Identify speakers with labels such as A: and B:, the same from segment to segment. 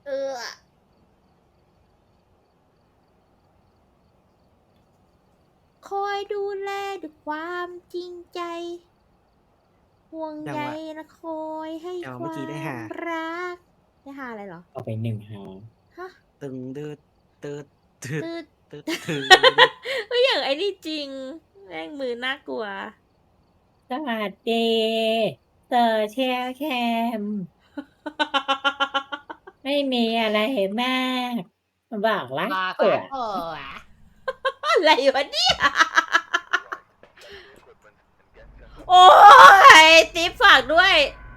A: เออคอยดูแลด้วยความจริงใจห่วงใย
B: จังหวะ
A: และคอยให้
B: จังหวะ
A: ค
B: เมื่อ
A: วา
B: กี้ได้
A: ม
B: หา
A: รักได้หาอะไรเหรอ
C: เอาไปหนึ่งหา
A: ฮะ
B: ตึงดืดตืดตืด
A: ตืด
B: ตืดตืด
A: เฮ้ยอย่างไอ้นี่จริงแม่งมือน่ากลัว
C: สวัสดีเซอร์เชียลแคม ไม่มีอะไรมากมาบอกรัก
A: บอก
C: ผั
A: รั
C: ว
A: กผัวอะไรวะเนี่ย โอ้ยติ๊บฝากด้วย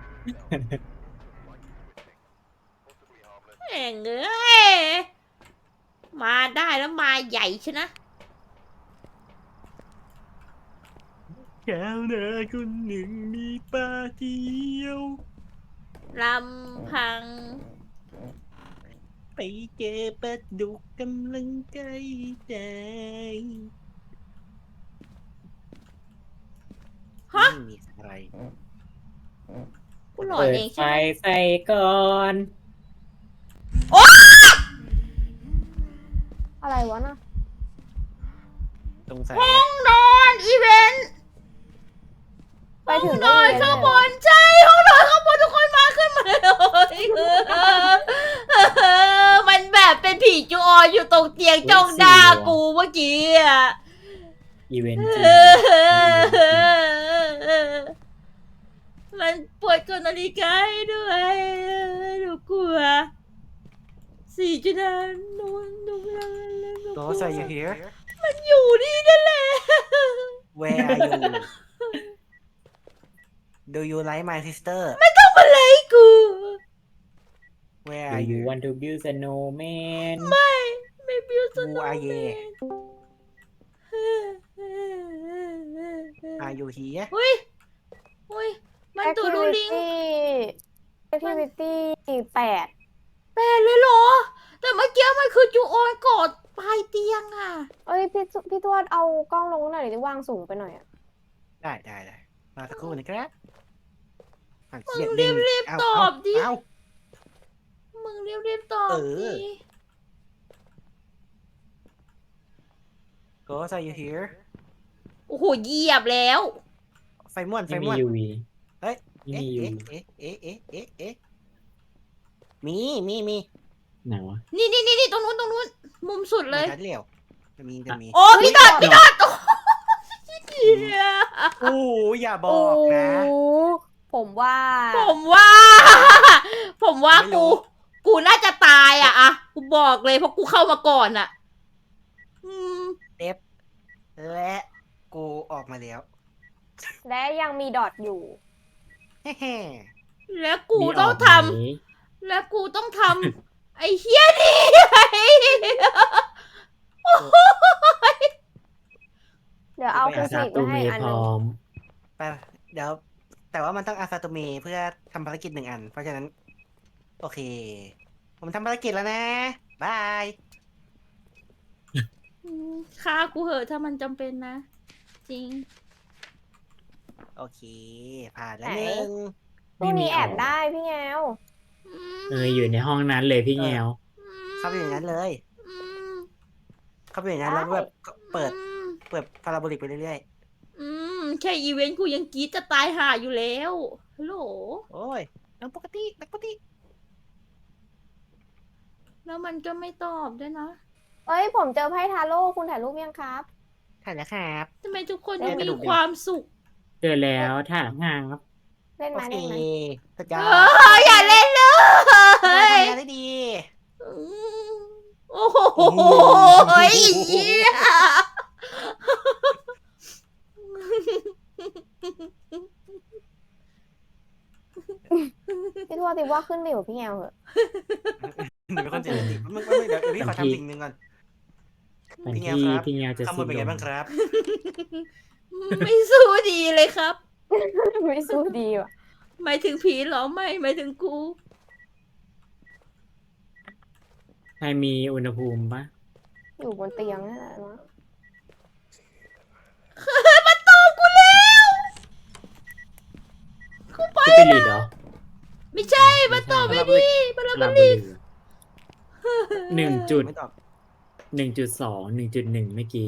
A: แม่งเอ้ยมาได้แล้วมาใหญ่ชนะ
B: แก้วหน้าคนหนึ่งมีปลาเดียว
A: ลำพัง
B: ไปเจอปลาดุกกำลังใกล้ใจ
A: ฮะ
B: ไม่มีอะไร
A: กูหลอน
C: เปิด
A: เอง
C: ไฟ
A: ใช่ไหม
C: ใส่ก่อน
D: อะไรวะน่ะ
B: สงสัย
A: ห้องนอนอีเวนต์
D: ไปถึง
A: นอนข้างบนใช่ห้องนอนข้างบนทุกคนมาขึ้นมาเลยมันแบบเป็นผีจูออนอยู่ตรงเตียงจ้องหน้ากูเมื่อกี้อะ
C: อีเวนต์จริง
A: มันปวดกดนาฬิกาให้ด้วยหนูกลัว4 จุดหนูไม่รู้เลยหนูก
B: โต
A: ลัว
B: ใส่ you here
A: มันอยู่นี่นั่นแหละ
B: where are you do you like my sister
A: ทำอะไรกู
B: where
C: ดู
B: are
C: you
B: you
C: want to build snowman
A: ไม่บิวส
B: who
A: โน
B: are
A: ว์แม
B: you
A: น
B: are you here
A: เฮ้ยเฮ้ยมันตูดูลิง
D: activity 8
A: แปดเลยเหรอ แต่เมื่อกี้มันคือจูออนกอดปลายเตียงอ่ะ
D: เอ้ยพี่ทวดเอากล้องลงหน่อยดิวางสูงไปหน่อยอ่ะ
B: ได้มาสักครู่นะครับอ่ะ
A: มึง
B: เขียน
A: รี
B: ดึ
A: บ
B: เา
A: ตอบดิ
B: เา
A: มึงรีบตอบ
B: เออ
A: ดิ
B: ก็ใส่ you here
A: โอ้โหเหยียบแล้ว
B: ไฟม่วน
C: ไม่มี UV
B: เฮ้ย
C: ไม่
B: เอ๊ะ
C: มี
B: เอ๊ะ
C: UV
B: เอ๊ะมี
C: ไหนวะ
A: นี่ตรงนู้นมุมสุดเลย
B: ชัดเร็วจะมี
A: โอ้พี่ตอดโอ้เหี้ย
B: โอ้อย่าบอกนะ
D: โอ้ผมว่า
A: ผมว่า ผมว่า
B: ไม่รู้
A: กูน่าจะตายอะกูบอกเลยเพราะกูเข้ามาก่อนอะอืม
B: และกูออกมาแล้ว
D: และยังมีดอทอยู่
B: แฮ่
A: แล้วกู
C: มี
A: ต้อง
C: ก
A: ท
C: ไหม
A: ำแล้วกูต้องทำ ไอ้เฮียนี่ไง
D: เดี๋ยวเอาคูซิก
C: ตู
D: มา
C: เม
D: ให้อัน
C: พ
D: หนึ
C: ร้
D: ง
C: อม
B: ๆไปเดี๋ยว แต่ว่ามันต้องอาซาโตเมเพื่อทำภารกิจ1 อัน เพราะฉะนั้น โอเค ผมทำภารกิจแล้วนะบาย
A: ฆ่ากูเหอะถ้ามันจำเป็นนะ จริง
B: โอเค ผ่านแล้ว
D: ไหน
B: 1
D: พวกนี้แอบได้พี่แงว
C: อยู่ในห้องนั้นเลยพี่แงว
B: เข้าไปอย่างนั้นเลย
A: อืม
B: เข้าไปอย่างนั้นแล้วแบบเปิด
A: อืม
B: พาราโบลิกไปเรื่อย
A: แค่อีเวนต์กูยังกรีดจะตายห่าอยู่แล้วฮัลโหล
B: ๆ โอ้ยนังปกติ
A: แล้วมันก็ไม่ตอบด้วยนะ
D: เอ้ยผมเจอไพ่ทาโร่คุณถ่ายรูปยังครับ
B: ถ่ายแล้วครับ
A: ทำไมทุกคน
B: เล่
A: ยั
B: น
A: ง
B: กระ
A: มี
B: ดูกเดียว
A: ความสุข
C: เจอแล้วถามหางครับ
D: เล่น
B: โอ
D: ไหม
B: เค
D: เล่นไหม
B: สุดย
A: เอ
B: อด
A: ออย่าเล่นเลย
B: ทำงานได้ดี
A: อืมโอ้โหไอ้เหี้ย
D: พี่ทวดติว่าขึ้นไปอยู่พี่แงวเหอะ
B: หนูเป็นคนเสียสติมึงเดี๋ยวพี่ขอทำสิ่งหนึ่งก่อน
C: มัน
B: พี่แง
C: ที่
B: วครับ
C: พี่แงวจะ
B: ข้างบนเป็นไงบ้างครับ
A: ไม่สู้ดีเลยครับ
D: ไม่สู้ดีว่ะ
A: หมายถึงผีเหรอไม่หมายถึงกู
C: ใครมีอุณหภูมิปะ
D: อยู่บนเตียงนั่นแหละนะ
A: มาตอบกูแล้วกูไป
C: ที่เป็นลีดเหรอ
A: ไม่ใช่มาตอบไม่ดีมา
C: ลา
A: ลา
C: บุ
A: ลี
C: รี 1.1.2
B: ไม่ตอบ
C: 1.1 เมื่อกี้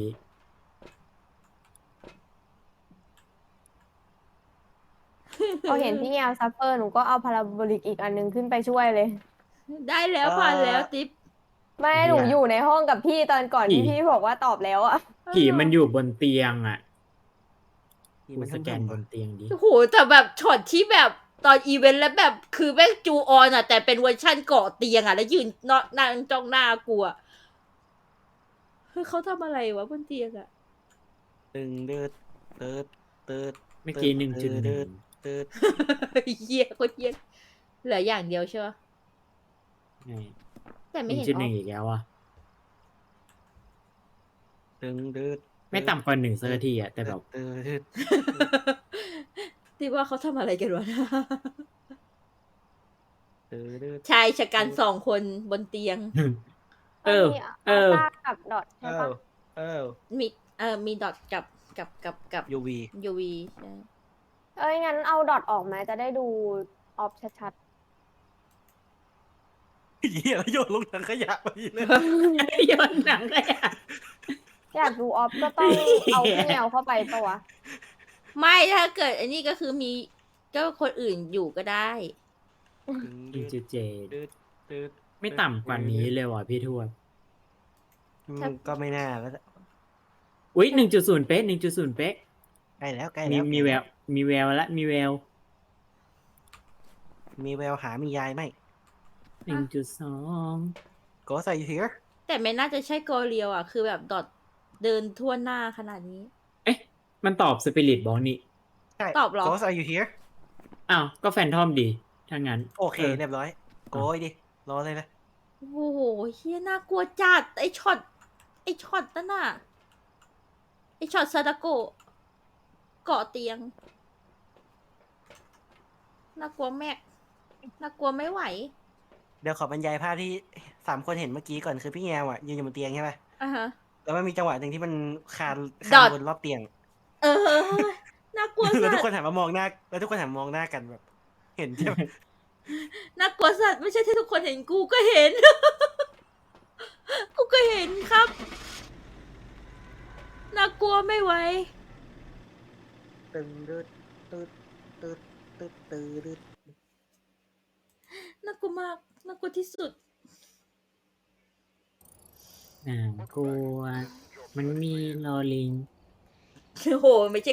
D: พอเห็นพี่แอลซัฟเฟอร์หนูก็เอาพาราโบลิกอีกอันนึงขึ้นไปช่วยเลย
A: ได้แล้วผ่านแล้วติ๊บ
D: ไม่
C: เหี้ย
D: หนูอยู่ในห้องกับพี่ตอนก่อนที่
C: ผี
D: พี่บอกว่าตอบแล้วอะ
C: ผีมันอยู่บนเตียงอ่ะ
B: นี่
C: กู
B: มัน
C: สแกน
B: ทำ
C: บ
B: วะ
C: นเตียงดิ
A: โอ้โหแต่แบบช็อตที่แบบตอนอีเวนต์แล้วแบบคือแม่งจูออนอะแต่เป็นเวอร์ชั่นเกาะเตียงอะแล้วยืนนั่งจ้องหน้ากูอะเฮ้ยเขาทำอะไรวะบนเตียงอะ
B: ตึงเดือดเติร์ดเติร์ด
C: เมื่อกี้
B: เติร์ด
C: 1.1
B: เติร์ดเติร์ด
A: เหี้ยโคตรเหี้ยเหลืออย่างเดียวใช่ปะแต่ไม่เห็นออฟ
C: 1.1 อีกแล้วอ่ะ
B: ตึงเดือด
C: ไม่ต่ำกว่า1สักทีอ่ะ แต่แบบ
B: เติร์ด
A: ที่ว่าเขาทำอะไรกันวะ
B: เติร์ดเติร์ด
A: ชายชะกัน2 คนบนเตียง
C: เออ
D: มี
C: เอ
D: อัล
C: อ
D: ต้ากับดอทใช่
B: เอ้า
D: ปะ
B: เอ้า
A: มีดอทกับ
B: ยูวี
A: ยูวีใช่
D: เอ้ยงั้นเอาดอทออกไหมจะได้ดูออฟชัด
B: เหี้ยแล้วโยนลงถังขยะไปเลย
C: โยนหนังเลยอ่ะ
D: ๆ อยากดูออฟก็ต้องเอาพี่แมวเข้าไปปะวะ
A: ไม่ถ้าเกิดอันนี้ก็คือมีก็คนอื่นอยู่ก็ได้
C: 1.7
B: เติร์ดเติร์ด
C: ไม่ต่ำกว่านี้เลยว่ะพี่ทวด
B: มันก็ไม่น่าแล้ว
C: อุ๊ย 1.0 เป๊ะ 1.0 เป๊ะ
B: ใกล้แล้วใกล้
C: มี
B: แล้ว
C: มีแวว มีแววแล้ว มีแวว
B: มีแววหามียายไหม
C: 1.2
B: ก็ใส่เฮีย
A: แต่ไม่น่าจะใช่โกเรียวอ่ะ คือแบบดอทเดินทั่วหน้าขนาดนี้
C: เอ๊ะ มันตอบสปิริตบอกนี่
B: ใช่
A: ตอบเหรอ
B: ก็ใส่อยู่เฮีย
C: อ้าว ก็แฟนทอมดีถ้างั้น
B: โอเคเรียบร้อยโกยดิรอเลยนะ
A: โอ้โหเฮียน่ากลัวจัด ไอช็อตนั่นน่ะ ไอช็อตซาดาโกะเกาะเตียง น่ากลัวแม็ก น่ากลัวไม่ไหว
B: เดี๋ยวขอบรรยายภาพที่3 คนเห็นเมื่อกี้ก่อนคือพี่แงวอ่ะยืนอยู่บนเตียงใช่ไหม
A: อ่ะฮะ
B: แล้วมันมีจังหวะหนึ่งที่มันคาน
A: ดอท
B: บนรอบเตียง
A: เออ น่ากลัว
B: แล้ว
A: สั
B: ทุก
A: ต
B: คน
A: ว์
B: หันมามองหน้า แล้วทุกคนหันมามองหน้ากันแบบ เห็นใช่ไหม
A: น่ากลัวสัตว์ไม่ใช่ที่ทุกคนเห็นกูก็เห็น กูก็เห็นครับ น่ากลัวไม่ไหว
B: ตึงตึดตึดตึดตึดตึด
A: น่ากลัวมาก น่ากลัวที่สุด
C: น่ากลัว มันมีลอลิง
A: โอ้โห ไม่ใช่